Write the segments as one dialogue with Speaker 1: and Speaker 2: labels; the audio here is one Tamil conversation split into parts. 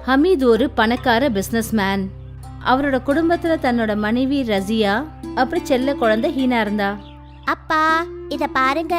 Speaker 1: ஹமீத் ஒரு பணக்கார பிசினஸ்மேன். அவரோட குடும்பத்துல தன்னோட மனைவி ரசியா அப்புறம் செல்ல குழந்தை ஹீனா இருந்தா.
Speaker 2: அப்பா இத பாருங்க.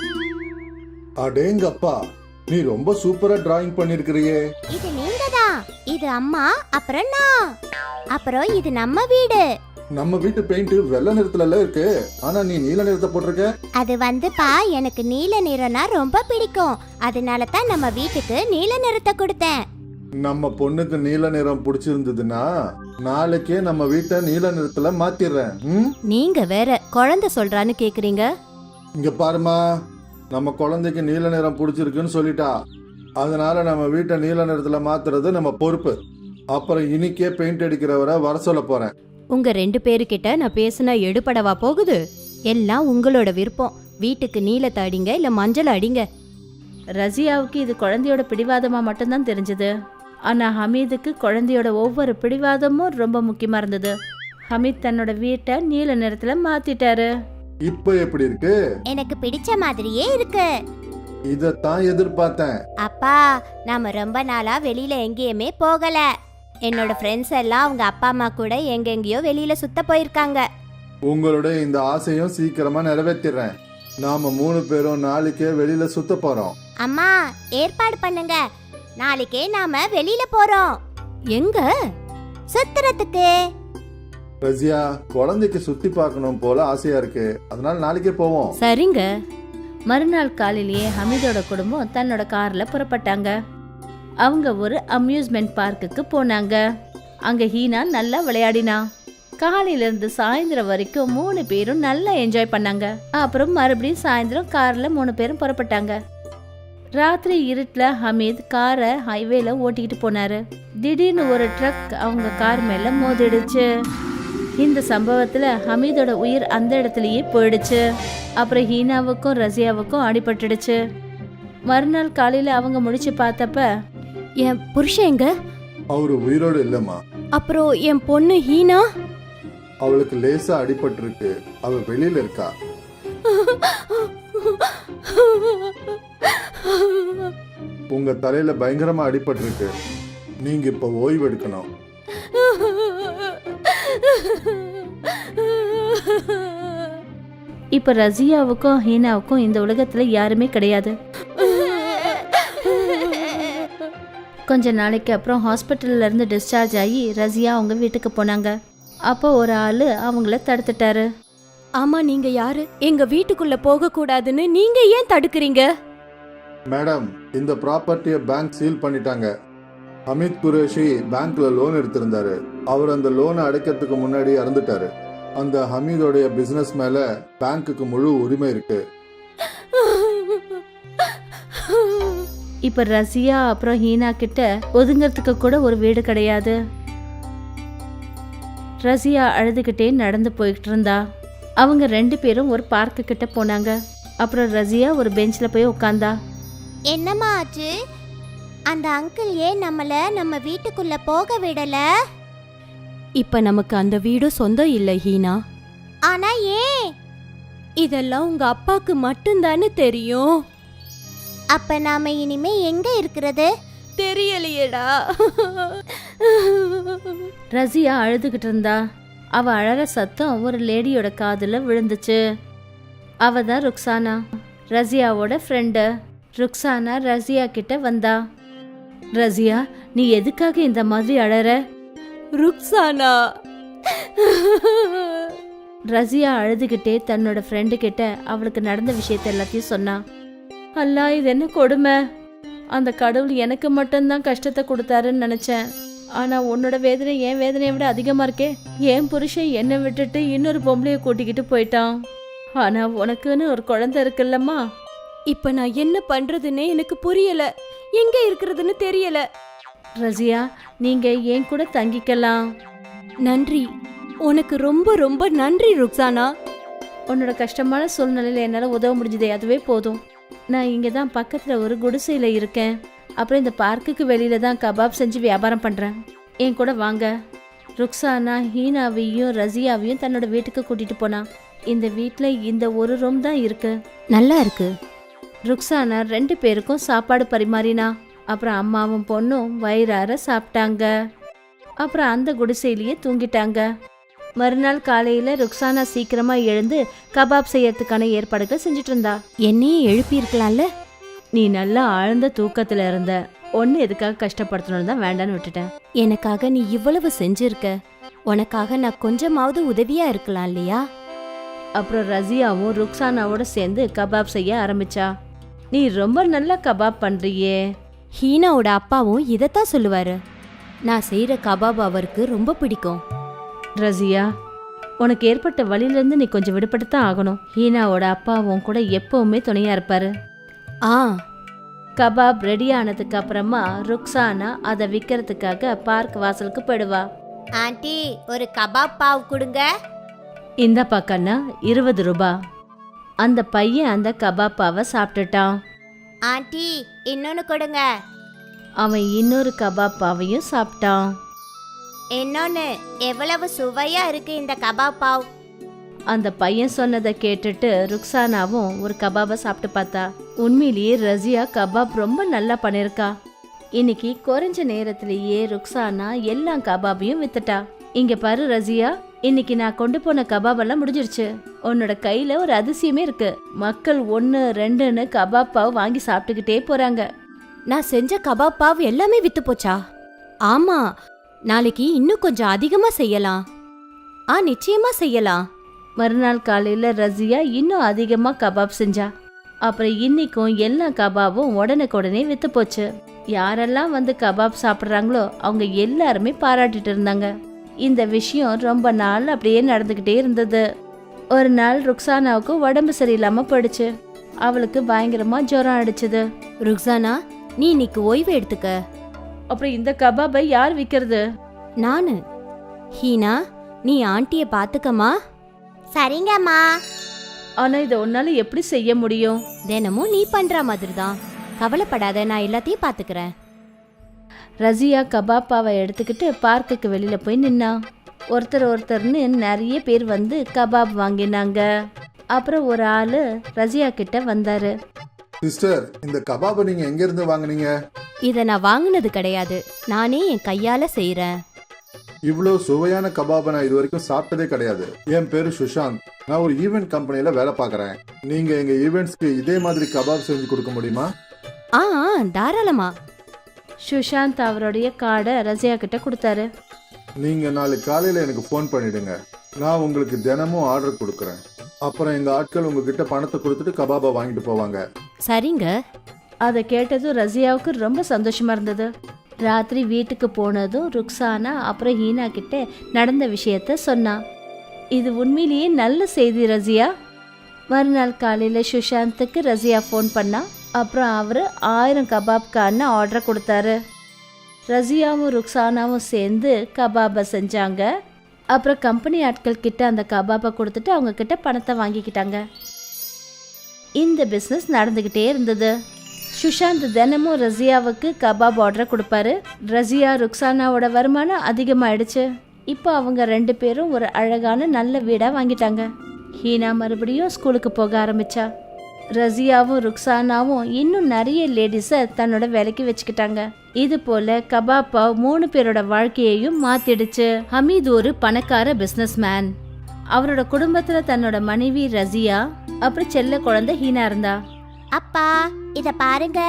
Speaker 3: அடேங்கப்பா, நீ ரொம்ப சூப்பரா டிராயிங் பண்ணிருக்கிறியே.
Speaker 2: இது நீங்க தான். இது அம்மா, அப்புறம் நான், அப்புறம் இது நம்ம வீடு.
Speaker 3: நம்ம வீட்டு பெயிண்ட் வெள்ளை நிறத்துல இருக்கு, ஆனா நீ நீல நிறத்தை போட்டிருக்க.
Speaker 2: அது வந்துப்பா, எனக்கு நீல நிறம்னா ரொம்ப பிடிக்கும். அதனால தான் நம்ம வீட்டுக்கு நீல நிறத்தை கொடுத்தேன்.
Speaker 3: நம்ம பொண்ணுக்கு நீல நிறம் பிடிச்சிருந்ததுன்னா நாளைக்கே நம்ம வீட்டை நீல நிறத்துல மாத்திடுறேன்.
Speaker 1: நீங்க வேற குழந்தை சொல்றான்னு கேக்குறீங்க.
Speaker 3: இங்க பாருமா, நம்ம குழந்தைக்கு நீல நிறம் பிடிச்சிருக்குன்னு சொல்லிட்டா, அதனால நம்ம வீட்டை நீல நிறத்துல மாத்துறது நம்ம பொறுப்பு. அப்புறம் இன்னைக்கே பெயிண்ட் அடிக்கிறவரை வர சொல்ல போறேன்.
Speaker 1: உங்க 2 பேருக்கிட்ட நான் பேசினா எடுபடவா போகுது? எல்லாம் உங்களோட விருப்பம். வீட்டுக்கு நீலத்தை அடிங்க இல்ல மஞ்சள் அடிங்க. ரசியாவுக்கு இது குழந்தையோட பிடிவாதமா மட்டும்தான் தெரிஞ்சது. ஆனா ஹமீதுக்கு குழந்தையோட ஒவ்வொரு பிடிவாதமும் ரொம்ப முக்கியமா இருந்தது. ஹமீத் தன்னோட வீட்டை நீல நிறத்துல மாத்திட்டாரு.
Speaker 3: இப்ப எப்படி இருக்கு?
Speaker 2: எனக்கு பிடிச்ச மாதிரியே இருக்கு.
Speaker 3: இதத்தான் எதிர்பார்த்தேன்.
Speaker 2: அப்பா, நாம ரொம்ப நாளா வெளியில எங்கேயுமே போகல. என்னோட ஃப்ரெண்ட்ஸ் எல்லாம் அவங்க அப்பா அம்மா கூட எங்கெங்கயோ வெளியில சுத்த போயிருக்காங்க.
Speaker 3: உங்களுடைய இந்த ஆசையும் சீக்கிரமா நிறைவேற்றிடுறேன். நாம 3 பேரும் நாளைக்கே வெளியில சுத்த போறோம்.
Speaker 2: அம்மா, ஏற்பாடு பண்ணுங்க. நாளைக்கே நாம வெளியில போறோம்.
Speaker 1: எங்க?
Speaker 2: சுத்துறதுக்கு.
Speaker 3: ரசியா, குழந்தைக்கு சுத்தி பார்க்கணும் போல ஆசையா இருக்கு, அதனால நாளைக்கே போவோம்.
Speaker 1: சரிங்க. மறுநாள் காலையிலேயே ஹமீதோட குடும்பம் தன்னோட கார்ல புறப்பட்டாங்க. அவங்க ஒரு அம்யூஸ்மெண்ட் பார்க்குக்கு போனாங்க. அங்க ஹீனா நல்லா விளையாடினா. காலையில இருந்து சாயந்தரம் வரைக்கும் 3 பேரும் நல்லா என்ஜாய் பண்ணாங்க. அப்புறம் மறுபடியும் சாயந்தரம் கார்ல 3 பேரும் புறப்பட்டாங்க. ராத்திரி இருட்டுல ஹமீத் காரை ஹைவேல ஓட்டிக்கிட்டு போனாரு. திடீர்னு ஒரு ட்ரக் அவங்க கார் மேல மோதிடுச்சு. இந்த சம்பவத்துல ஹமீதோட உயிர் அந்த இடத்துலயே போயிடுச்சு. அப்புறம் ஹீனாவுக்கும் ரசியாவுக்கும் அடிபட்டுடுச்சு. மறுநாள் காலையில அவங்க முடிச்சு பார்த்தப்ப, என் புருஷன் எங்க?
Speaker 3: அவரு உயிரோடு இல்லம்மா.
Speaker 1: அப்புறம் என் பொண்ணு ஹீனா?
Speaker 3: அவளுக்கு லேசா அடிபட்டு இருக்கு, அவ வெளியில இருக்கா. உங்க தலையில பயங்கரமா அடிபட்டு இருக்கு, நீங்க இப்ப ஓய்வு எடுக்கணும்.
Speaker 1: இப்ப ரசியாவுக்கும் ஹீனாவுக்கும் இந்த உலகத்துல யாருமே கிடையாது. கொஞ்ச நாளைக்கு அப்புறம் ஹாஸ்பிட்டல்ல இருந்து டிஸ்சார்ஜ் ஆகி ரசியா அவங்க வீட்டுக்கு போனாங்க. அப்போ ஒரு ஆளு அவங்கள தடுத்துட்டாரு. ஆமா, நீங்க யாரு? எங்க வீட்டுக்குள்ள போக கூடாதுன்னு நீங்க ஏன் தடுக்கிறீங்க?
Speaker 3: மேடம், இந்த ப்ராப்பர்ட்டியை பேங்க் சீல் பண்ணிட்டாங்க. அமித் குரேஷி பேங்க்ல லோன் எடுத்திருந்தாரு. அவர் அந்த லோனை அடைக்கிறதுக்கு முன்னாடி இறந்துட்டாரு. அந்த ஹமீதோடைய பிசினஸ் மேல பேங்க்குக்கு முழு உரிமை இருக்கு.
Speaker 1: இப்ப ரசியா அப்புறம் ஹீனா கிட்ட ஒதுங்கிறதுக்கு கூட ஒரு வீடு கிடையாது. ரசியா அழுதுகிட்டே நடந்து போயிட்டு இருந்தா. அவங்க 2 பேரும் ஒரு பார்க்கு கிட்ட போனாங்க. அப்புறம் ரசியா ஒரு பெஞ்ச்ல போய் உட்கார்ந்தா.
Speaker 2: என்னம்மா ஆச்சு? அந்த அங்கிள் ஏன் நம்ம வீட்டுக்குள்ள போக விடல?
Speaker 1: இப்ப நமக்கு அந்த வீடு சொந்தம் இல்ல ஹீனா.
Speaker 2: ஆனா ஏன்?
Speaker 1: இதெல்லாம் உங்க அப்பாக்கு மட்டும்தானே தெரியும்.
Speaker 2: அப்ப நாம இனிமே எங்க இருக்கிறது?
Speaker 1: தெரியலையேடா. ரசியா அழுதுகிட்டு இருந்தா. அவ அழற சத்தம் ஒரு லேடியோட காதுல விழுந்துச்சு. அவ தான் ருக்ஸானா, ரசியாவோட ஃப்ரெண்டு. ருக்ஸானா ரசியா கிட்ட வந்தா. ரசியா, நீ எதுக்காக இந்த மாதிரி அழற? ருக்ஸானா. ரசியா அழுதுகிட்டே தன்னோட ஃப்ரெண்டு கிட்ட அவளுக்கு நடந்த விஷயத்த எல்லாத்தையும் சொன்னா. அல்லா, இது என்ன கொடுமை! அந்த கடவுள் எனக்கு மட்டும்தான் கஷ்டத்தை கொடுத்தாருன்னு நினைச்சேன். ஆனா உன்னோட வேதனை என் வேதனையை விட அதிகமா இருக்கே. என் புருஷன் என்னை விட்டுட்டு இன்னொரு பொம்பளைய கூட்டிக்கிட்டு போயிட்டான். ஆனா உனக்குன்னு ஒரு குழந்தை இருக்குல்லம்மா. இப்ப நான் என்ன பண்றதுன்னே எனக்கு புரியல. எங்க இருக்கிறதுன்னு தெரியல. ரசியா, நீங்க என் கூட தங்கிக்கலாம். நன்றி, உனக்கு ரொம்ப ரொம்ப நன்றி ருக்ஸானா. உன்னோட கஷ்டமான சூழ்நிலையில என்னால உதவ முடிஞ்சதே, அதுவே போதும். நான் இங்க தான் பக்கத்துல ஒரு குடிசையில இருக்கேன். அப்புறம் இந்த பார்க்குக்கு வெளியில தான் கபாப் செஞ்சு வியாபாரம் பண்றேன். என் கூட வாங்க. ருக்ஸானா ஹீனாவையும் ரசியாவையும் தன்னோட வீட்டுக்கு கூட்டிட்டு போனா. இந்த வீட்டுல இந்த ஒரு ரூம் தான் இருக்கு. நல்லா இருக்கு. ருக்ஸானா 2 பேருக்கும் சாப்பாடு பரிமாறினா. அப்புறம் அம்மாவும் பொண்ணும் வயிறார சாப்பிட்டாங்க. அப்புறம் அந்த குடிசையிலேயே தூங்கிட்டாங்க. மறுநாள் காலையில ருக்ஸானா சீக்கிரமா எழுந்து கபாப் செய்யறதுக்கான ஏற்பாடுகள் செஞ்சுட்டு இருந்தா.
Speaker 2: என்னையும் எழுப்பி இருக்கலாம்ல.
Speaker 1: நீ நல்லா ஆழ்ந்த தூக்கத்துல இருந்த, ஒன்னு எதுக்காக கஷ்டப்படுத்தணும்னு தான் வேண்டான்னு விட்டுட்டேன்.
Speaker 2: எனக்காக நீ இவ்வளவு செஞ்சிருக்க, உனக்காக நான் கொஞ்சமாவது உதவியா இருக்கலாம் இல்லையா?
Speaker 1: அப்புறம் ரசியாவும் ருக்ஸானாவோட சேர்ந்து கபாப் செய்ய ஆரம்பிச்சா. நீ ரொம்ப நல்லா கபாப் பண்றியே.
Speaker 2: ஹீனாவோட அப்பாவும் இதைத்தான் சொல்லுவாரு. நான் செய்யற கபாப் அவருக்கு ரொம்ப பிடிக்கும்.
Speaker 1: ரசியா, உனக்கு ஏற்பட்ட வழியிலேருந்து நீ கொஞ்சம் விடுபட்டு தான் ஆகணும். ஹீனாவோட அப்பாவும் கூட எப்பவுமே துணையா இருப்பாரு.
Speaker 2: ஆ,
Speaker 1: கபாப் ரெடி ஆனதுக்கு அப்புறமா ருக்ஸானா அதை விற்கிறதுக்காக பார்க் வாசலுக்கு போயிடுவா.
Speaker 2: ஆண்டி ஒரு கபாப் பாவ் கொடுங்க.
Speaker 1: இந்த பக்கம்னா 20 ரூபா. அந்த பையன் அந்த கபாப்பாவை சாப்பிட்டுட்டான்.
Speaker 2: ஆண்டி இன்னொன்னு கொடுங்க.
Speaker 1: அவன் இன்னொரு கபாப்பாவையும் சாப்பிட்டான்.
Speaker 2: இன்னொன்னு. எவ்வளவு சுவையா இருக்கு இந்த கபாப் பாவ்.
Speaker 1: அந்த பையன் சொன்னதை கேட்டுட்டு ருக்ஸானாவும் ஒரு கபாபை சாப்பிட்டு பார்த்தா. உண்மையிலேயே ரசியா கபாப் ரொம்ப நல்லா பண்ணிருக்கா. இன்னைக்கு குறைஞ்ச நேரத்திலேயே ருக்ஸானா எல்லா கபாபையும் வித்துட்டா. இங்க பாரு ரசியா, இன்னைக்கு நான் கொண்டு போன கபாப் எல்லாம் முடிஞ்சிருச்சு. உன்னோட கையில ஒரு அதிசயமே இருக்கு. மக்கள் 1, 2ன்னு கபாப் பாவ் வாங்கி சாப்பிட்டுக்கிட்டே போறாங்க.
Speaker 2: நான் செஞ்ச கபாப் பாவ் எல்லாமே வித்து போச்சா? ஆமா, நாளைக்கு இன்னும் கொஞ்சம் அதிகமா செய்யலாம். நிச்சயமா செய்யலாம்.
Speaker 1: மறுநாள் காலையில ரசியா இன்னும் அதிகமா கபாப் செஞ்சா. அப்புறம் இன்னைக்கும் எல்லா கபாபும் உடனுக்குடனே வித்து போச்சு. யாரெல்லாம் வந்து கபாப் சாப்பிட்றாங்களோ அவங்க எல்லாருமே பாராட்டிட்டு இருந்தாங்க. இந்த விஷயம் ரொம்ப நாள் அப்படியே நடந்துகிட்டே இருந்தது. ஒரு நாள் ருக்ஸானாவுக்கு உடம்பு சரியில்லாம போயிடுச்சு. அவளுக்கு பயங்கரமா ஜுரம் அடிச்சது.
Speaker 2: ருக்ஸானா, நீ இன்னைக்கு ஓய்வு எடுத்துக்க.
Speaker 1: அப்புறம் இந்த கபாபை யார் விற்கிறது?
Speaker 2: நானு. ஹீனா, நீ ஆண்டிய பாத்துக்கமா. சரிங்கம்மா.
Speaker 1: ஆனா இதை உன்னால எப்படி செய்ய முடியும்?
Speaker 2: தினமும் நீ பண்ற மாதிரி தான். கவலைப்படாத, நான் எல்லாத்தையும் பாத்துக்கிறேன்.
Speaker 1: ரசியா கபாப்பாவை எடுத்துக்கிட்டு பார்க்குக்கு வெளியில போய் நின்னா. ஒருத்தர்னு நிறைய பேர் வந்து கபாப் வாங்கினாங்க. அப்புறம் ஒரு ஆளு ரசியா கிட்ட வந்தாரு.
Speaker 3: சிஸ்டர், இந்த கபாபை நீங்க எங்க இருந்து வாங்குனீங்க?
Speaker 2: இத நான் வாங்குனது கிடையாது, நானே என் கையால செய்யறேன்.
Speaker 3: இவ்வளோ சுவையான கபாபை நான் இது வரைக்கும் சாப்பிட்டதே கிடையாது. என் பேரு சுஷாந்த். நான் ஒரு ஈவென்ட் கம்பெனில வேலை பார்க்கறேன். நீங்க எங்க ஈவெண்ட்ஸ்க்கு இதே மாதிரி கபாப் செஞ்சு கொடுக்க முடியுமா?
Speaker 2: தாராளமா.
Speaker 1: சுஷாந்த் அவருடைய கார்டை ரசியா கிட்ட கொடுத்தாரு.
Speaker 3: நீங்க நாளைக்கு காலையில எனக்கு ஃபோன் பண்ணிடுங்க. நான் உங்களுக்கு தினமும் ஆர்டர் கொடுக்கறேன். அப்புறம் எங்க ஆட்கள் உங்ககிட்ட பணத்தை கொடுத்துட்டு கபாபை வாங்கிட்டு போவாங்க.
Speaker 2: சரிங்க.
Speaker 1: அதை கேட்டதும் ரசியாவுக்கு ரொம்ப சந்தோஷமா இருந்தது. ராத்திரி வீட்டுக்கு போனதும் ருக்ஸானா அப்புறம் ஹீனா கிட்ட நடந்த விஷயத்த சொன்னா. இது உண்மையிலேயே நல்ல செய்தி ரசியா. மறுநாள் காலையில சுஷாந்துக்கு ரசியா ஃபோன் பண்ணா. அப்புறம் அவரு 1000 கபாப்கான ஆர்டர் கொடுத்தாரு. ரசியாவும் ருக்ஸானாவும் சேர்ந்து கபாபை செஞ்சாங்க. அப்புறம் கம்பெனி ஆட்கள் கிட்ட அந்த கபாபை கொடுத்துட்டு அவங்க கிட்ட பணத்தை வாங்கிக்கிட்டாங்க. இந்த பிஸ்னஸ் நடந்துகிட்டே இருந்தது. சுஷாந்த் தினமும் ரசியாவுக்கு கபாப் ஆர்டர் கொடுப்பாரு. ரசியா ருக்ஸானாவோட வருமானம் அதிகமாயிடுச்சு. இப்போ அவங்க 2 பேரும் ஒரு அழகான நல்ல வீடா வாங்கிட்டாங்க. ஹீனா மறுபடியும் ஸ்கூலுக்கு போக ஆரம்பிச்சா. ரசியாவும் ருக்ஸானாவும் இன்னும் நிறைய லேடிஸை தன்னோட வேலைக்கு வச்சுக்கிட்டாங்க. இது போல கபாப்பா 3 பேரோட வாழ்க்கையையும் மாத்திடுச்சு. ஹமீத் ஒரு பணக்கார பிசினஸ்மேன். அவரோட குடும்பத்துல தன்னோட மனைவி ரசியா அப்புறம் செல்ல குழந்தை ஹீனா இருந்தா.
Speaker 2: அப்பா, இத பாருங்க.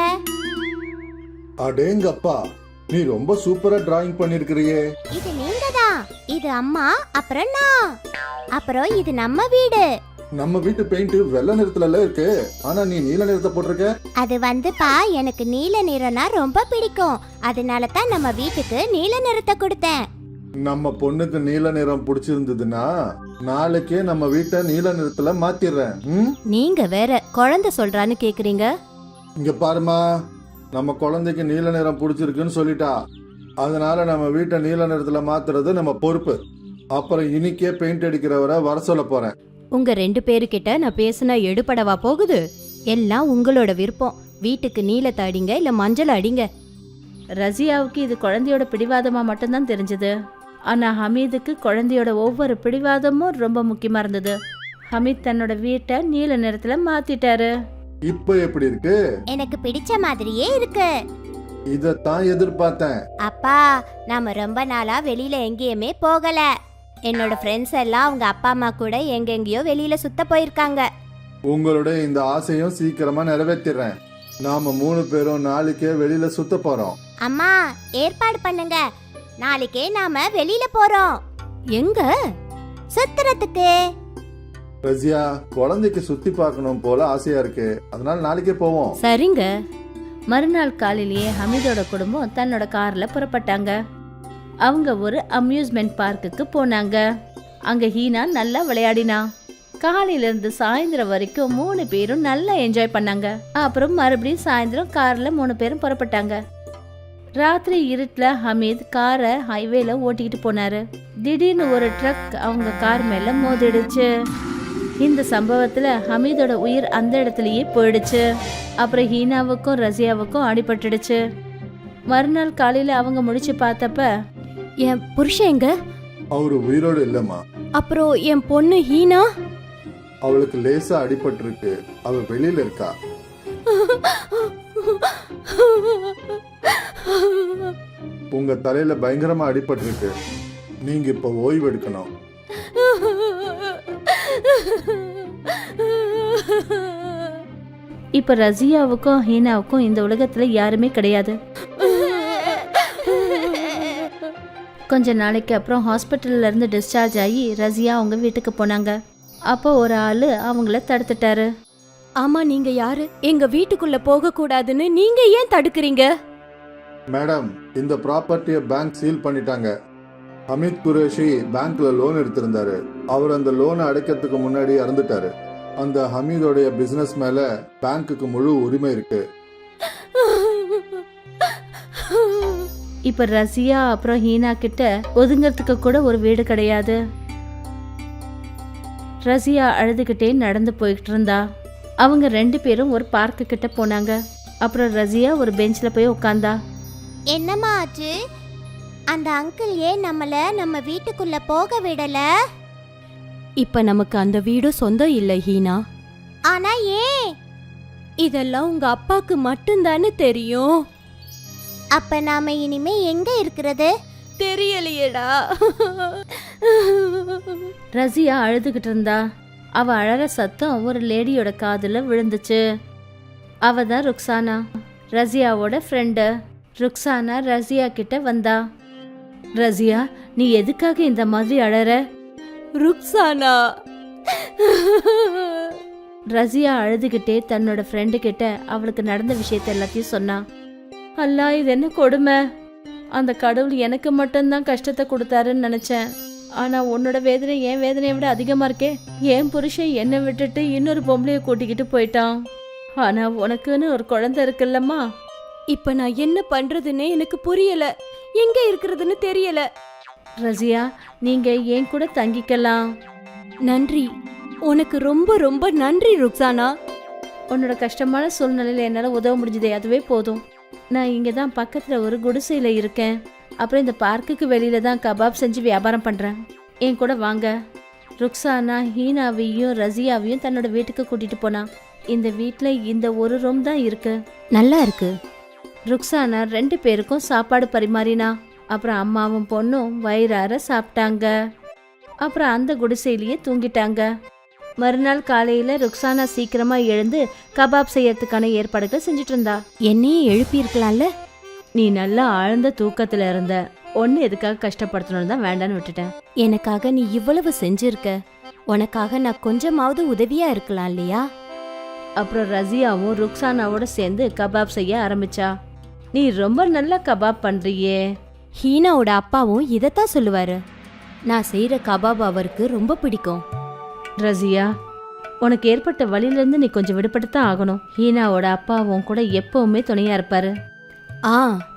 Speaker 3: அடேங்கப்பா, நீ ரொம்ப சூப்பரா டிராயிங் பண்ணிருக்கிறியே.
Speaker 2: இது நீங்கதான். இது அம்மா, அப்புறம் நான். அப்புறம் இது நம்ம வீடு.
Speaker 3: நம்ம வீட்டு பெயிண்ட் வெள்ளை நிறத்துல இருக்கு, ஆனா நீ நீல நிறத்தை போட்டிருக்க.
Speaker 2: அது வந்துப்பா, எனக்கு நீல நிறம்னா ரொம்ப பிடிக்கும். அதனால தான் நம்ம வீட்டுக்கு நீல நிறத்தை கொடுத்தேன்.
Speaker 3: நம்ம பொண்ணுக்கு நீல நிறம் பிடிச்சிருந்ததுன்னா நாளைக்கே நம்ம வீட்டை நீல நிறத்துல மாத்திடுறேன்.
Speaker 2: நீங்க வேற குழந்தை சொல்றான்னு கேக்குறீங்க.
Speaker 3: இங்க பாருமா, நம்ம குழந்தைக்கு நீல நிறம் பிடிச்சிருக்குன்னு சொல்லிட்டா. அதனால நம்ம வீட்டை நீல நிறத்துல மாத்துறது நம்ம பொறுப்பு. அப்புறம் இன்னைக்கே பெயிண்ட் அடிக்கிறவரை வர சொல்ல போறேன்.
Speaker 2: உங்க 2 பேருக்கிட்ட நான் பேசினா எடுபடவா போகுது? எல்லாம் உங்களோட விருப்பம். வீட்டுக்கு நீலத்தை அடிங்க இல்ல மஞ்சள் அடிங்க.
Speaker 1: ரசியாவுக்கு இது குழந்தையோட பிடிவாதமா மட்டும்தான் தெரிஞ்சது. ஆனா ஹமீதுக்கு குழந்தையோட ஒவ்வொரு பிடிவாதமும் ரொம்ப முக்கியமா இருந்தது. ஹமீத் தன்னோட வீட்டை நீல நிறத்துல மாத்திட்டாரு.
Speaker 3: இப்ப எப்படி இருக்கு?
Speaker 2: எனக்கு பிடிச்ச மாதிரியே இருக்கு.
Speaker 3: இதத்தான் எதிர்பார்த்தேன்.
Speaker 2: அப்பா, நாம ரொம்ப நாளா வெளியில எங்கேயுமே போகல. என்னோட ஃப்ரெண்ட்ஸ் எல்லாம் அவங்க அப்பா அம்மா கூட எங்கெங்கயோ வெளியில சுத்த போயிருக்காங்க.
Speaker 3: உங்களுடைய இந்த ஆசையும் சீக்கிரமா நிறைவேற்றிடுறேன். நாம 3 பேரும் நாளைக்கே வெளியில சுத்த போறோம்.
Speaker 2: அம்மா, ஏற்பாடு பண்ணுங்க. நாளைக்கே நாம வெளியில போறோம். எங்க? சுத்துறதுக்கு.
Speaker 3: ரஜியா, குழந்தைக்கு சுத்தி பார்க்கணும் போல ஆசையா இருக்கு. அதனால நாளைக்கே போவோம்.
Speaker 2: சரிங்க.
Speaker 1: மறுநாள் காலையிலேயே ஹமீதோட குடும்பம் தன்னோட கார்ல புறப்பட்டாங்க. அவங்க ஒரு அம்யூஸ்மெண்ட் பார்க்குக்கு போனாங்க. அங்க ஹீனா நல்லா விளையாடினா. காலையில இருந்து சாயந்தரம் வரைக்கும் 3 பேரும் நல்லா என்ஜாய் பண்ணாங்க. அப்புறம் மறுபடியும் சாயந்தரம் கார்ல 3 பேரும் புறப்பட்டாங்க. ராத்திரி இருட்டுல ஹமீத் காரை ஹைவேல ஓட்டிக்கிட்டு போனாரு. திடீர்னு ஒரு ட்ரக் அவங்க கார் மேல மோதிடுச்சு. இந்த சம்பவத்துல ஹமீதோட உயிர் அந்த இடத்துலயே போயிடுச்சு. அப்புறம் ஹீனாவுக்கும் ரசியாவுக்கும் அடிபட்டுடுச்சு. மறுநாள் காலையில அவங்க முடிச்சு பார்த்தப்ப,
Speaker 2: என் புருஷன் எங்க?
Speaker 3: அவரு உயிரோடு இல்லம்மா.
Speaker 2: அப்புறம் என் பொண்ணு ஹீனா?
Speaker 3: அவளுக்கு லேசா அடிபட்டு இருக்கு. அவ வெளியில இருக்கா. உங்க தலையில பயங்கரமா அடிபட்டு இருக்கு. நீங்க இப்ப ஓய்வு எடுக்கணும்.
Speaker 1: இப்ப ரசியாவுக்கும் ஹீனாவுக்கும் இந்த உலகத்துல யாருமே கிடையாது. கொஞ்ச நாளைக்கு அப்புறம் ஹாஸ்பிட்டல்ல இருந்து டிஸ்சார்ஜ் ஆகி ரசியா அவங்க வீட்டுக்கு போனாங்க. அப்போ ஒரு ஆளு அவங்கள தடுத்துட்டாரு.
Speaker 2: ஆமா, நீங்க யாரு? எங்க வீட்டுக்குள்ள போக கூடாதுன்னு நீங்க ஏன் தடுக்கிறீங்க?
Speaker 3: மேடம், இந்த ப்ராப்பர்ட்டியை பேங்க் சீல் பண்ணிட்டாங்க. அமித் குரேஷி பேங்க்ல லோன் எடுத்திருந்தாரு. அவர் அந்த லோனை அடைக்கிறதுக்கு முன்னாடி இறந்துட்டாரு. அந்த ஹமீதோடைய பிசினஸ் மேல பேங்க்குக்கு முழு உரிமை இருக்கு.
Speaker 1: இப்ப ரசியா அப்புறம் ஹீனா கிட்ட ஒதுங்கிறதுக்கு கூட ஒரு வீடு கிடையாது. ரசியா அழுதுகிட்டே நடந்து போயிட்டு இருந்தா. அவங்க 2 பேரும் ஒரு பார்க்கு கிட்ட போனாங்க. அப்புறம் ரசியா ஒரு பெஞ்ச்ல போய் உட்கார்ந்தா.
Speaker 2: என்னம்மா ஆச்சு? அந்த அங்கிள் ஏன் நம்ம வீட்டுக்குள்ள போக விடல? இப்ப நமக்கு அந்த வீடு சொந்தம் இல்ல ஹீனா. ஆனா ஏன்? இதெல்லாம் உங்க அப்பாக்கு மட்டும்தானே தெரியும். அப்ப நாம இனிமே எங்க இருக்கிறது? தெரியலையேடா.
Speaker 1: ரசியா அழுதுகிட்டு இருந்தா. அவ அழற சத்தம் ஒரு லேடியோட காதுல விழுந்துச்சு. அவ தான் ருக்ஸானா, ரசியாவோட ஃப்ரெண்டு. ருக்ஸானா ரசியா கிட்ட வந்தா. ரசியா, நீ எதுக்காக இந்த மாதிரி அழற?
Speaker 2: ருக்ஸானா.
Speaker 1: ரசியா அழுதுகிட்டே தன்னோட ஃப்ரெண்டு கிட்ட அவளுக்கு நடந்த விஷயத்த எல்லாத்தையும் சொன்னா. அல்லா, இது என்ன கொடுமை! அந்த கடவுள் எனக்கு மட்டும்தான் கஷ்டத்தை கொடுத்தாருன்னு நினைச்சேன். ஆனா உன்னோட வேதனை என் வேதனையை விட அதிகமா இருக்கே. என் புருஷன் என்னை விட்டுட்டு இன்னொரு பொம்பளைய கூட்டிக்கிட்டு போயிட்டான். ஆனா உனக்குன்னு ஒரு குழந்தை இருக்குல்லம்மா.
Speaker 2: இப்ப நான் என்ன பண்றதுன்னே எனக்கு புரியல. எங்க இருக்கிறதுன்னு தெரியல.
Speaker 1: ரசியா, நீங்க என் கூட தங்கிக்கலாம்.
Speaker 2: நன்றி, உனக்கு ரொம்ப ரொம்ப நன்றி ருக்ஸானா.
Speaker 1: உன்னோட கஷ்டமான சூழ்நிலையில என்னால உதவ முடிஞ்சதே, அதுவே போதும். நான் இங்க தான் பக்கத்துல ஒரு குடிசையில இருக்கேன். அப்புறம் இந்த பார்க்குக்கு வெளியில தான் கபாப் செஞ்சு வியாபாரம் பண்றேன். என் கூட வாங்க. ருக்ஸானா ஹீனாவையும் ரசியாவையும் தன்னோட வீட்டுக்கு கூட்டிட்டு போனா. இந்த வீட்ல இந்த ஒரு ரூம் தான் இருக்கு.
Speaker 2: நல்லா இருக்கு.
Speaker 1: ருக்ஸானா 2 பேருக்கும் சாப்பாடு பரிமாறினா. அப்புறம் அம்மாவும் பொண்ணும் வயிறார சாப்பிட்டாங்க. அப்புறம் அந்த குடிசையிலேயே தூங்கிட்டாங்க. மறுநாள் காலையில ருக்ஸானா சீக்கிரமா எழுந்து கபாப் செய்யறதுக்கான ஏற்பாடுகளை செஞ்சுட்டு இருந்தா.
Speaker 2: என்னையே எழுப்பி இருக்கலாம்ல.
Speaker 1: நீ நல்லா ஆழ்ந்த தூக்கத்துல இருந்த. ஒன்னு எதுக்காக கஷ்டப்படுத்தணும்னு தான் வேண்டான்னு விட்டுட்டேன்.
Speaker 2: எனக்காக நீ இவ்வளவு செஞ்சிருக்க. உனக்காக நான் கொஞ்சமாவது உதவியா இருக்கலாம் இல்லையா?
Speaker 1: அப்புறம் ரசியாவும் ருக்ஸானாவோட சேர்ந்து கபாப் செய்ய ஆரம்பிச்சா. நீ ரொம்ப நல்லா கபாப் பண்றியே.
Speaker 2: ஹீனாவோட அப்பாவும் இதைத்தான் சொல்லுவாரு. நான் செய்யற கபாப் அவருக்கு ரொம்ப பிடிக்கும்.
Speaker 1: ரசியா, உனக்கு ஏற்பட்ட வழியிலேருந்து நீ கொஞ்சம் விடுபட்டு தான் ஆகணும். ஹீனாவோட அப்பாவும் கூட எப்பவுமே துணையா இருப்பாரு.
Speaker 2: ஆ.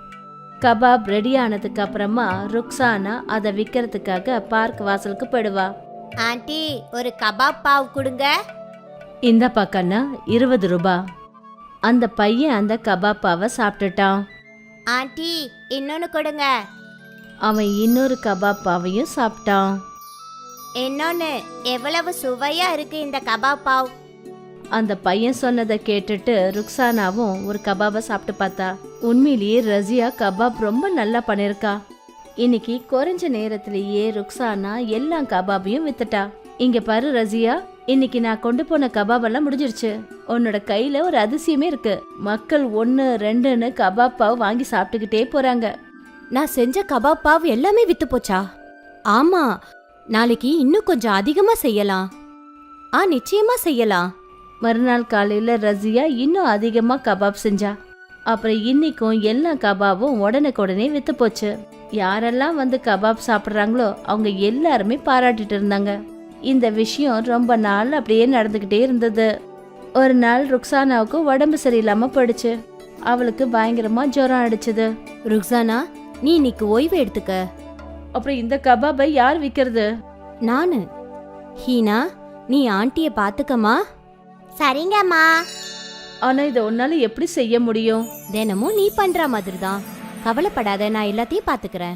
Speaker 1: கபாப் ரெடி ஆனதுக்கு அப்புறமா ருக்ஸானா அதை விற்கிறதுக்காக பார்க் வாசலுக்கு போயிடுவா.
Speaker 2: ஆண்டி, ஒரு கபாப் பாவ் கொடுங்க.
Speaker 1: இந்த பக்கம்னா 20 ரூபாய். அந்த பையன் அந்த கபாப்பாவை சாப்பிட்டுட்டான்.
Speaker 2: ஆண்டி, இன்னொன்னு கொடுங்க.
Speaker 1: அவன் இன்னொரு கபாப்பாவையும் சாப்பிட்டான்.
Speaker 2: இன்னொன்னு. எவ்வளவு சுவையா இருக்கு இந்த கபாப் பாவ்.
Speaker 1: அந்த பையன் சொன்னதை கேட்டுட்டு ருக்ஸானாவும் ஒரு கபாபை சாப்பிட்டு பார்த்தா. உண்மையிலேயே ரசியா கபாப் ரொம்ப நல்லா பண்ணிருக்கா. இன்னைக்கு குறைஞ்ச நேரத்திலேயே ருக்ஸானா எல்லா கபாபையும் வித்துட்டா. இங்க பாரு ரசியா, இன்னைக்கு நான் கொண்டு போன கபாப் எல்லாம் முடிஞ்சிருச்சு. உன்னோட கையில ஒரு அதிசயமே இருக்கு. மக்கள் 1, 2ன்னு கபாப் பாவ் வாங்கி சாப்பிட்டுக்கிட்டே போறாங்க.
Speaker 2: நான் செஞ்ச கபாப் பாவ் எல்லாமே வித்து போச்சா? ஆமா, நாளைக்கு இன்னும் கொஞ்சம் அதிகமா செய்யலாம். நிச்சயமா செய்யலாம்.
Speaker 1: மறுநாள் காலையில ரசியா இன்னும் அதிகமா கபாப் செஞ்சா. அப்புறம் இன்னைக்கும் எல்லா கபாபும் உடனுக்குடனே வித்து போச்சு. யாரெல்லாம் வந்து கபாப் சாப்பிட்றாங்களோ அவங்க எல்லாருமே பாராட்டிட்டு இருந்தாங்க. இந்த விஷயம் ரொம்ப நாள் அப்படியே நடந்துகிட்டே இருந்தது. ஒரு நாள் ருக்ஸானாவுக்கு உடம்பு சரியில்லாம போயிடுச்சு. அவளுக்கு பயங்கரமா ஜுரம் அடிச்சது.
Speaker 2: ருக்ஸானா, நீ இன்னைக்கு ஓய்வு எடுத்துக்க.
Speaker 1: அப்புறம் இந்த கபாபை யார் விற்கிறது?
Speaker 2: நானு. ஹீனா, நீ ஆண்டிய பாத்துக்கமா. சரிங்கம்மா.
Speaker 1: ஆனா இதை உன்னால எப்படி செய்ய முடியும்?
Speaker 2: தினமும் நீ பண்ற மாதிரி தான். கவலைப்படாத, நான் எல்லாத்தையும் பாத்துக்கிறேன்.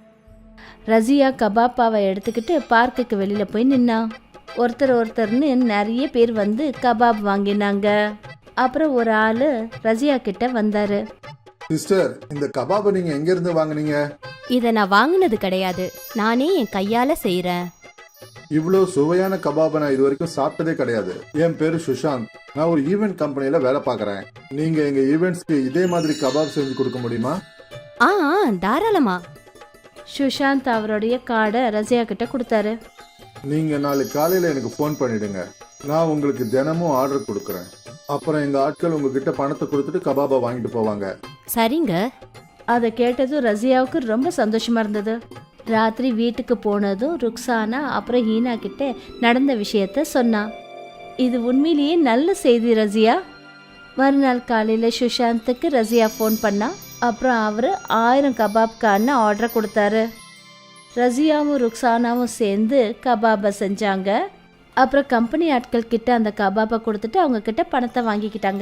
Speaker 1: ரசியா கபாப்பாவை எடுத்துக்கிட்டு பார்க்குக்கு வெளியில போய் நின்னா. ஒருத்தர்னு நிறைய பேர் வந்து கபாப் வாங்கினாங்க. அப்புறம் ஒரு ஆளு ரசியா கிட்ட வந்தாரு.
Speaker 3: சிஸ்டர், இந்த கபாபை நீங்க எங்க இருந்து வாங்குனீங்க?
Speaker 2: இத நான் வாங்குனது கிடையாது, நானே என் கையால செய்யறேன்.
Speaker 3: இவ்வளோ சுவையான கபாபை நான் இது வரைக்கும் சாப்பிட்டதே கிடையாது. என் பேரு சுஷாந்த். நான் ஒரு ஈவென்ட் கம்பெனில வேலை பார்க்கறேன். நீங்க எங்க ஈவெண்ட்ஸ்க்கு இதே மாதிரி கபாப் செஞ்சு கொடுக்க முடியுமா?
Speaker 2: தாராளமா.
Speaker 1: சுஷாந்த் அவருடைய கார்டை ரசியா கிட்ட கொடுத்தாரு.
Speaker 3: நீங்க நாளைக்கு காலையில எனக்கு ஃபோன் பண்ணிடுங்க. நான் உங்களுக்கு தினமும் ஆர்டர் கொடுக்கறேன். அப்புறம் எங்க ஆட்கள் உங்ககிட்ட பணத்தை கொடுத்துட்டு கபாபை வாங்கிட்டு போவாங்க.
Speaker 2: சரிங்க.
Speaker 1: அதை கேட்டதும் ரசியாவுக்கு ரொம்ப சந்தோஷமா இருந்தது. ராத்திரி வீட்டுக்கு போனதும் ருக்ஸானா அப்புறம் ஹீனா கிட்ட நடந்த விஷயத்த சொன்னா. இது உண்மையிலேயே நல்ல செய்தி ரசியா. மறுநாள் காலையில சுஷாந்துக்கு ரசியா ஃபோன் பண்ணா. அப்புறம் அவரு 1000 கபாப்கான ஆர்டர் கொடுத்தாரு. ரசியாவும் ருக்ஸானாவும் சேர்ந்து கபாபை செஞ்சாங்க. அப்புறம் கம்பெனி ஆட்கள் கிட்ட அந்த கபாபை கொடுத்துட்டு அவங்க கிட்ட பணத்தை வாங்கிக்கிட்டாங்க.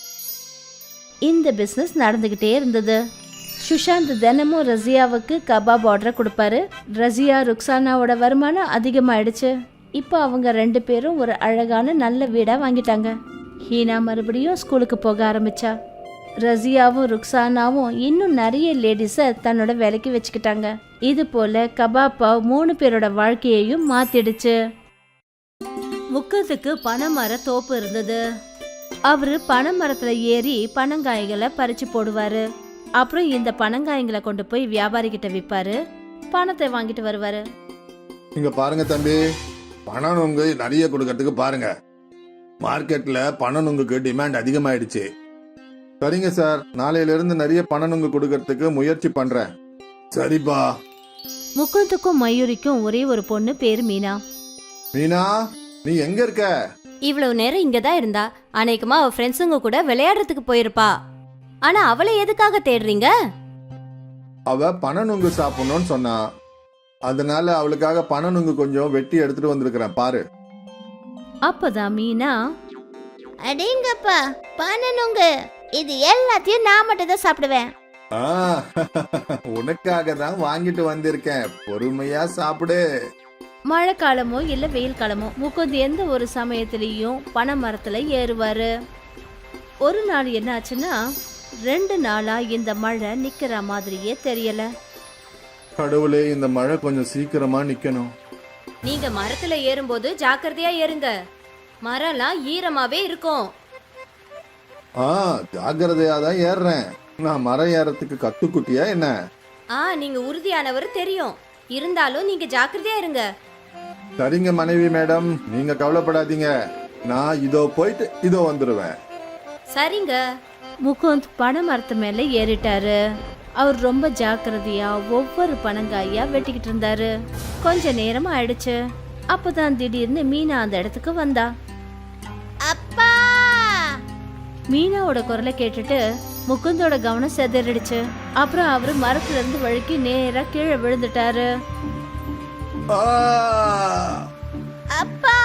Speaker 1: இந்த பிஸ்னஸ் நடந்துகிட்டே இருந்தது. சுஷாந்த் தினமும் ரசியாவுக்கு கபாப் ஆர்டர் கொடுப்பாரு. ரசியா ருக்ஸானாவோட வருமானம் அதிகமாயிடுச்சு. இப்போ அவங்க 2 பேரும் ஒரு அழகான நல்ல வீடா வாங்கிட்டாங்க. ஹீனா மறுபடியும் ஸ்கூலுக்கு போக ஆரம்பிச்சா. ரசியாவும் ருக்ஸானாவும் இன்னும் நிறைய லேடிஸை தன்னோட வேலைக்கு வச்சுக்கிட்டாங்க. இது போல கபாப்பா 3 பேரோட வாழ்க்கையையும் மாத்திடுச்சு. முக்கத்துக்கு பனைமர தோப்பு இருந்தது. அவரு பனைமரத்துல ஏறி பனங்காய்களை பறிச்சு போடுவாரு. அப்புறம் இந்த பனங்காய்களை கொண்டு போய் வியாபாரி கிட்ட விற்பாரு. பணத்தை வாங்கிட்டு வருவாரு.
Speaker 3: இங்க பாருங்க தம்பி, பனநுங்கு நிறைய கொடுக்கறதுக்கு பாருங்க. மார்க்கெட்ல பனநுங்குக்கு டிமாண்ட் அதிகமாயிடுச்சு. சரிங்க சார், நாளையில இருந்து நிறைய பனநுங்கு கொடுக்கறதுக்கு முயற்சி பண்றேன். சரிப்பா.
Speaker 1: முக்குந்துக்கும் மயூரிக்கும் ஒரே ஒரு பொண்ணு பேரு மீனா.
Speaker 3: மீனா, நீ எங்க இருக்க?
Speaker 2: இவ்வளவு நேரம் இங்கதான் இருந்தா. அநேகமா அவ ஃப்ரெண்ட்ஸுங்க கூட விளையாடுறதுக்கு போயிருப்பா. ஆனா அவளை எதுக்காக தேடுறீங்க?
Speaker 3: அவ பனநுங்கு சாப்பிடணும்னு சொன்னா. அதனால அவளுக்காக பனநுங்கு கொஞ்சம் வெட்டி எடுத்துட்டு வந்திருக்கிறேன் பாரு.
Speaker 1: அப்பதான் மீனா,
Speaker 2: அடேங்கப்பா, பனநுங்கு, இது எல்லாத்தையும் நான் மட்டும் தான் சாப்பிடுவேன்.
Speaker 3: உனக்காக தான் வாங்கிட்டு வந்திருக்கேன், பொறுமையா சாப்பிடு.
Speaker 1: மழை காலமோ இல்ல வெயில் காலமோ முக்குந்து எந்த ஒரு சமயத்திலையும் பனை மரத்துல ஏறுவாரு. ஒரு நாள் என்ன ஆச்சுன்னா, 2 நாளா இந்த மழை நிக்கிற மாதிரியே தெரியல.
Speaker 3: கடவுளே, இந்த மழை கொஞ்சம் சீக்கிரமா நிக்கணும்.
Speaker 2: நீங்க மரத்துல ஏறும்போது ஜாக்கிரதையா ஏறுங்க. மரம்லாம் ஈரமாவே இருக்கும்.
Speaker 3: ஜாக்கிரதையா தான் ஏறுறேன். நான் மரம் ஏறத்துக்கு கத்துக்குட்டியா என்ன?
Speaker 2: நீங்க உறுதியானவர் தெரியும். இருந்தாலும் நீங்க ஜாக்கிரதையா இருங்க.
Speaker 3: சரிங்க மனைவி மேடம், நீங்க கவலைப்படாதீங்க. நான் இதோ போயிட்டு இதோ வந்துருவேன்.
Speaker 2: சரிங்க.
Speaker 1: முகுந்த் பனை மரத்து மேல ஏறிட்டாரு. அவர் ரொம்ப ஜாக்கிரதையா ஒவ்வொரு பனங்காயா வெட்டிக்கிட்டு இருந்தாரு. கொஞ்ச நேரம் ஆயிடுச்சு. அப்பதான் திடீர்னு மீனா அந்த இடத்துக்கு வந்தா.
Speaker 2: அப்பா!
Speaker 1: மீனாவோட குரலை கேட்டுட்டு முகுந்தோட கவனம் செதறிடுச்சு. அப்புறம் அவரு மரத்துல இருந்து வழுக்கி நேரா கீழே விழுந்துட்டாரு.
Speaker 2: அப்பா!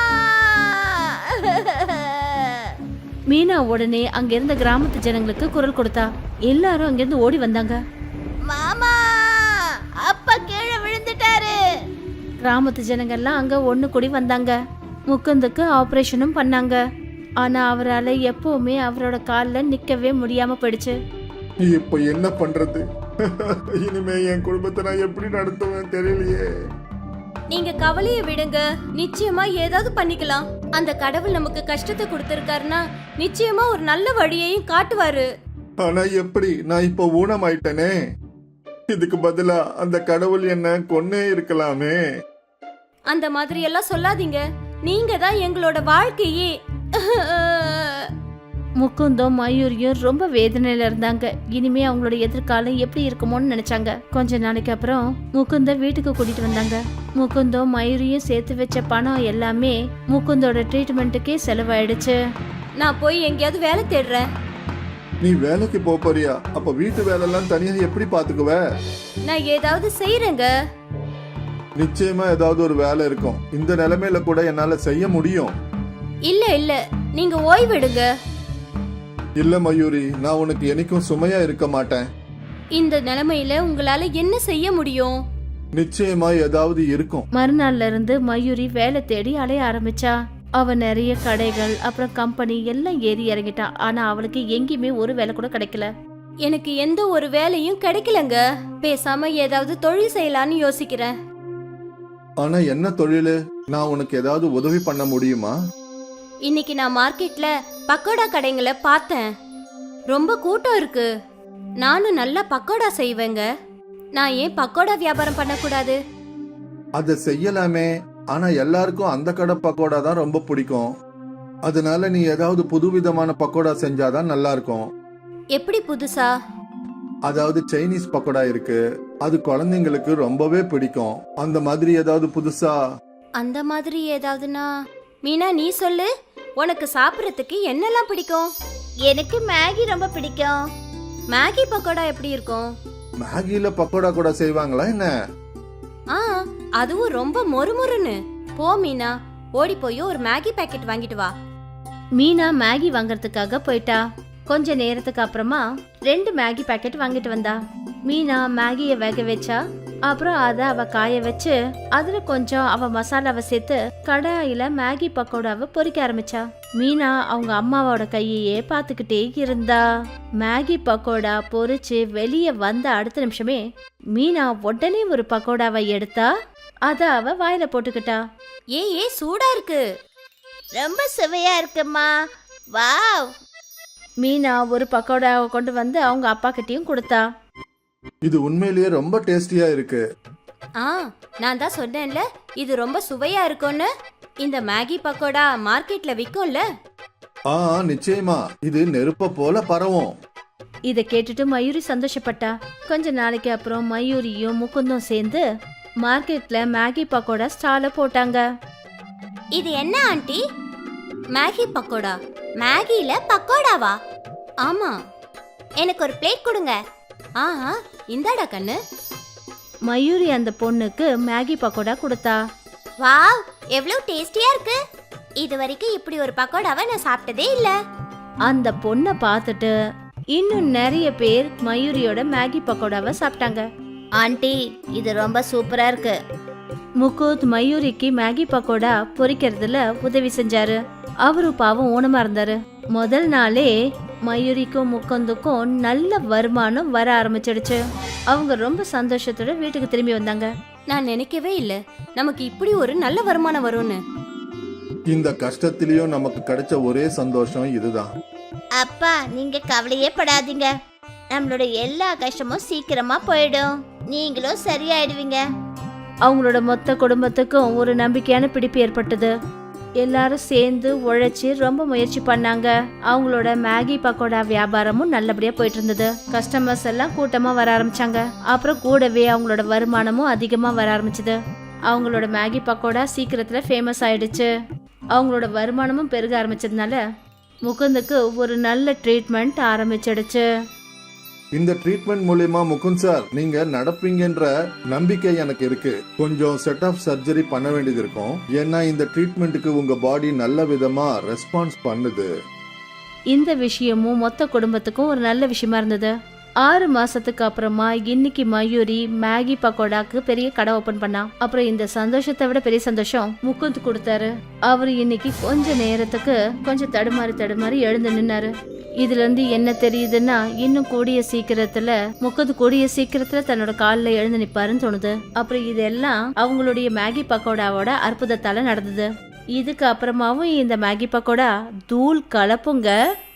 Speaker 1: மீனா உடனே அங்க இருந்த கிராமத்து ஜனங்களுக்கு குரல் கொடுத்தா. எல்லாரும் அங்கிருந்து ஓடி வந்தாங்க.
Speaker 2: மாமா, அப்பா கீழே விழுந்துட்டாரு.
Speaker 1: கிராமத்து ஜனங்கள்லாம் அங்க ஒண்ணு கூடி வந்தாங்க. முகுந்துக்கு ஆபரேஷனும் பண்ணாங்க. ஆனா அவரால் எப்பவுமே அவரோட காலில் நிக்கவே முடியாம போயிடுச்சு.
Speaker 3: இப்போ என்ன பண்றது? இனிமே என் குடும்பத்தை நான் எப்படி நடத்துவேன் தெரியலையே.
Speaker 2: நீங்க கவலைய விடுங்க, நிச்சயமா ஏதாவது பண்ணிக்கலாம். அந்த கடவுள் நமக்கு கஷ்டத்தை கொடுத்திருக்காருன்னா நிச்சயமா ஒரு நல்ல வழியையும் காட்டுவாரு.
Speaker 3: ஆனா எப்படி? நான் இப்போ ஊனமாயிட்டேனே. இதுக்கு பதிலா அந்த கடவுள் என்ன கொன்னே இருக்கலாமே.
Speaker 2: அந்த மாதிரி எல்லாம் சொல்லாதீங்க, நீங்க தான் எங்களோட வாழ்க்கையே.
Speaker 1: முகுந்தும் மயூரியும் ரொம்ப வேதனையில இருந்தாங்க. இனிமே அவங்களோட எதிர்காலம் எப்படி இருக்குமோன்னு நினைச்சாங்க. கொஞ்ச நாளைக்கு அப்புறம் முகுந்த வீட்டுக்கு கூட்டிட்டு வந்தாங்க. முகுந்தும் மயூரியும் சேர்த்து வச்ச பணம் எல்லாமே முகுந்தோட ட்ரீட்மெண்ட்டுக்கே செலவாயிடுச்சு.
Speaker 2: நான் போய் எங்கேயாவது வேலை தேடுறேன்.
Speaker 3: நீ வேலைக்கு போறியா? அப்ப வீட்டு வேலையெல்லாம் தனியா எப்படி பாத்துக்குவ?
Speaker 2: நான் ஏதாவது செய்யறேங்க.
Speaker 3: நிச்சயமா ஏதாவது ஒரு வேலை இருக்கும். இந்த நிலைமையில கூட என்னால செய்ய முடியும்.
Speaker 2: இல்ல நீங்க ஓய்வெடுங்க.
Speaker 3: இல்ல மயூரி, நான் உனக்கு என்னைக்கும் சுமையா இருக்க மாட்டேன்.
Speaker 2: இந்த நிலைமையில உங்களால என்ன செய்ய முடியும்?
Speaker 3: நிச்சயமா ஏதாவது இருக்கும்.
Speaker 1: மறுநாள்ல இருந்து மயூரி வேலை தேடி அலைய ஆரம்பிச்சா. அவ நிறைய கடைகள் அப்புறம் கம்பெனி எல்லாம் ஏறி இறங்கிட்டா. ஆனா அவளுக்கு எங்கேயுமே ஒரு வேலை கூட கிடைக்கல.
Speaker 2: எனக்கு எந்த ஒரு வேலையும் கிடைக்கலங்க. பேசாம ஏதாவது தொழில் செய்யலான்னு யோசிக்கிறேன்.
Speaker 3: ஆனா என்ன தொழிலு? நான் உனக்கு ஏதாவது உதவி பண்ண முடியுமா?
Speaker 2: இன்னைக்கு நான் மார்க்கெட்ல பக்கோடா கடைங்களை பார்த்தேன். ரொம்ப கூட்டம் இருக்கு. நானும் நல்லா பக்கோடா செய்வேங்க. நான் ஏன் பக்கோடா வியாபாரம் பண்ணக்கூடாது?
Speaker 3: அத செய்யலாமே. ஆனா எல்லாருக்கும் அந்த கடை பக்கோடா தான் ரொம்ப பிடிக்கும். அதனால நீ ஏதாவது புதுவிதமான பக்கோடா செஞ்சாதான் நல்லா இருக்கும்.
Speaker 2: எப்படி புதுசா?
Speaker 3: அதாவது சைனீஸ் பக்கோடா இருக்கு, அது குழந்தைங்களுக்கு ரொம்பவே பிடிக்கும். அந்த மாதிரி ஏதாவது புதுசா?
Speaker 2: அந்த மாதிரி ஏதாவதுனா? மீனா நீ சொல்லு, உனக்கு சாப்பிட்றதுக்கு என்னெல்லாம் பிடிக்கும்? எனக்கு மேகி ரொம்ப பிடிக்கும். மேகி பக்கோடா எப்படி இருக்கும்?
Speaker 3: மேகில பக்கோடா கூட செய்வாங்களா என்ன?
Speaker 2: ஆ, அதுவும் ரொம்ப மொறுமொறுன்னு. போ மீனா, ஓடி போய் ஒரு மேகி பாக்கெட் வாங்கிட்டு வா.
Speaker 1: மீனா மேகி வாங்கறதுக்காக போயிட்டா. கொஞ்ச நேரத்துக்கு அப்புறமா 2 மேகி பாக்கெட் வாங்கிட்டு வந்தா. மீனா மேகிய வேக வச்சா. அப்புறம் அத அவ காய வச்சு அதுல கொஞ்சம் அவ மசாலாவை சேர்த்து கடாயில மேகி பக்கோடாவை பொரிக்க ஆரம்பிச்சா. மீனா அவங்க அம்மாவோட கையையே பாத்துக்கிட்டே இருந்தா. மேகி பக்கோடா பொரிச்சு வெளியே வந்த அடுத்த நிமிஷமே மீனா உடனே ஒரு பக்கோடாவை எடுத்தா. அத அவ வாயில போட்டுக்கிட்டா.
Speaker 2: ஏ சூடா இருக்கு.
Speaker 1: ரொம்ப சுவையா இருக்குமா. வாவ். மீனா ஒரு பக்கோடாவை கொண்டு வந்து அவங்க அப்பா கிட்டயும் கொடுத்தா.
Speaker 3: இது உண்மையிலேயே ரொம்ப டேஸ்டியா இருக்கு.
Speaker 2: நான் தான் சொன்னேன்ல இது ரொம்ப சுவையா இருக்கும்னு. இந்த மேகி பக்கோடா மார்க்கெட்ல விக்கும்ல?
Speaker 3: நிச்சயமா, இது நெருப்ப போல பரவும்.
Speaker 1: இத கேட்டுட்டு மயூரி சந்தோஷப்பட்டா. கொஞ்ச நாளைக்கு அப்புறம் மயூரியும் முகுந்தும் சேர்ந்து மார்க்கெட்ல மேகி பக்கோடா ஸ்டால போட்டாங்க.
Speaker 2: இது என்ன ஆண்டி? மேகி பக்கோடா? மேகில பக்கோடாவா? ஆமா, எனக்கு ஒரு பிளேட் கொடுங்க. இந்தாடா கண்ணு.
Speaker 1: மயூரி அந்த பொண்ணுக்கு மேகி பக்கோடா கொடுத்தா.
Speaker 2: வாவ், எவ்வளவு டேஸ்டியா இருக்கு. இது வரைக்கும் இப்படி ஒரு பக்கோடாவை நான் சாப்பிட்டதே இல்ல.
Speaker 1: அந்த பொண்ணை பார்த்துட்டு இன்னும் நிறைய பேர் மயூரியோட மேகி பக்கோடாவை சாப்பிட்டாங்க.
Speaker 2: ஆண்டி, இது ரொம்ப சூப்பரா இருக்கு.
Speaker 1: முகுந்த் மயூரிக்கு மேகி பக்கோடா பொரிக்கிறதுல உதவி செஞ்சாரு. அவரு பாவம் ஊனமா இருந்தாரு. முதல் நாளே மயூரிக்கும் முகுந்துக்கும் நல்ல வருமானம் வர ஆரம்பிச்சிடுச்சு. அவங்க ரொம்ப சந்தோஷத்தோட வீட்டுக்கு திரும்பி வந்தாங்க.
Speaker 2: நான் நினைக்கவே இல்ல நமக்கு இப்படி ஒரு நல்ல வருமானம் வரும்னு.
Speaker 3: இந்த கஷ்டத்திலயும் நமக்கு கிடைச்ச ஒரே சந்தோஷம் இதுதான்.
Speaker 2: அப்பா, நீங்க கவலையே படாதீங்க. நம்மளோட எல்லா கஷ்டமும் சீக்கிரமா போயிடும். நீங்களும் சரியாயிடுவீங்க.
Speaker 1: அவங்களோட மொத்த குடும்பத்துக்கும் ஒரு நம்பிக்கையான பிடிப்பு ஏற்பட்டது. எல்லாரும் சேர்ந்து உழைச்சி ரொம்ப முயற்சி பண்ணாங்க. அவங்களோட மேகி பக்கோடா வியாபாரமும் நல்லபடியா போயிட்டு இருந்தது. கஸ்டமர்ஸ் எல்லாம் கூட்டமா வர ஆரம்பிச்சாங்க. அப்புறம் கூடவே அவங்களோட வருமானமும் அதிகமா வர ஆரம்பிச்சது. அவங்களோட மேகி பக்கோடா சீக்கிரத்துல ஃபேமஸ் ஆயிடுச்சு. அவங்களோட வருமானமும் பெருக ஆரம்பிச்சதுனால முகுந்துக்கு ஒரு நல்ல ட்ரீட்மெண்ட் ஆரம்பிச்சிடுச்சு.
Speaker 3: இந்த ட்ரீட்மெண்ட் மூலமா முகுந்த் சார் நீங்க நடப்பீங்கன்ற நம்பிக்கை எனக்கு இருக்கு. கொஞ்சம் செட் ஆஃப் சர்ஜரி பண்ண வேண்டியது இருக்கும். ஏன்னா இந்த ட்ரீட்மெண்ட்டுக்கு உங்க பாடி நல்ல விதமா ரெஸ்பான்ஸ் பண்ணுது.
Speaker 1: இந்த விஷயமும் மொத்த குடும்பத்துக்கும் ஒரு நல்ல விஷயமா இருந்தது. 6 மாசத்துக்கு அப்புறமா இன்னைக்கு மயூரி மேகி பக்கோடாக்கு பெரிய கடை ஓபன் பண்ணா. அப்புறம் இந்த சந்தோஷத்தை விட பெரிய சந்தோஷம் முகுந்த் கொடுத்தாரு. அவரு இன்னைக்கு கொஞ்ச நேரத்துக்கு கொஞ்சம் தடுமாறி எழுந்து நின்னாரு. இதுல இருந்து என்ன தெரியுதுன்னா, இன்னும் கூடிய சீக்கிரத்துல தன்னோட காலில் எழுந்து நிப்பாருன்னு தோணுது. அப்புறம் இதெல்லாம் அவங்களுடைய மேகி பக்கோடாவோட அற்புதத்தால நடந்தது. இதுக்கு அப்புறமாவும் இந்த மேகி பக்கோடா தூள் கலப்புங்க.